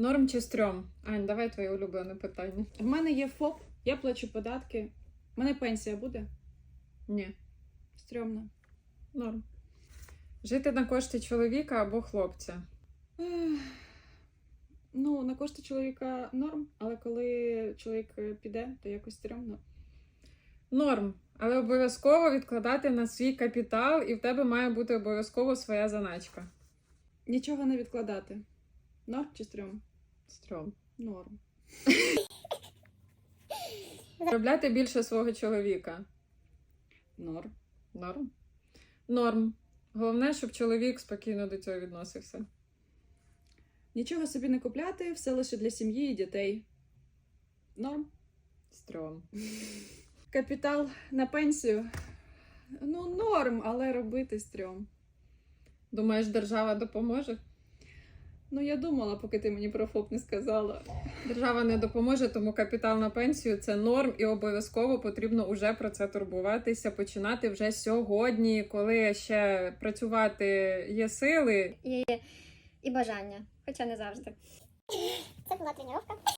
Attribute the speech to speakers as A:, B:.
A: Норм чи стрьом? Ань, давай твоє улюблене питання.
B: В мене є ФОП, я плачу податки. У мене пенсія буде?
A: Ні.
B: Стрьомно.
A: Норм. Жити на кошти чоловіка або хлопця?
B: Ну, на кошти чоловіка норм, але коли чоловік піде, то якось стрьомно.
A: Норм. Але обов'язково відкладати на свій капітал, і в тебе має бути обов'язково своя заначка.
B: Нічого не відкладати. Норм чи стрьом?
A: Стрьом.
B: Норм.
A: Заробляти більше свого чоловіка?
B: Норм.
A: Норм. Норм. Головне, щоб чоловік спокійно до цього відносився.
B: Нічого собі не купляти, все лише для сім'ї і дітей. Норм.
A: Стрьом.
B: Капітал на пенсію. Ну, норм, але робити стрьом.
A: Думаєш, держава допоможе?
B: Ну, я думала, поки ти мені про ФОП не сказала.
A: Держава не допоможе, тому капітал на пенсію – це норм, і обов'язково потрібно уже про це турбуватися, починати вже сьогодні, коли ще працювати є сили.
C: І бажання, хоча не завжди.
D: Це була тренування.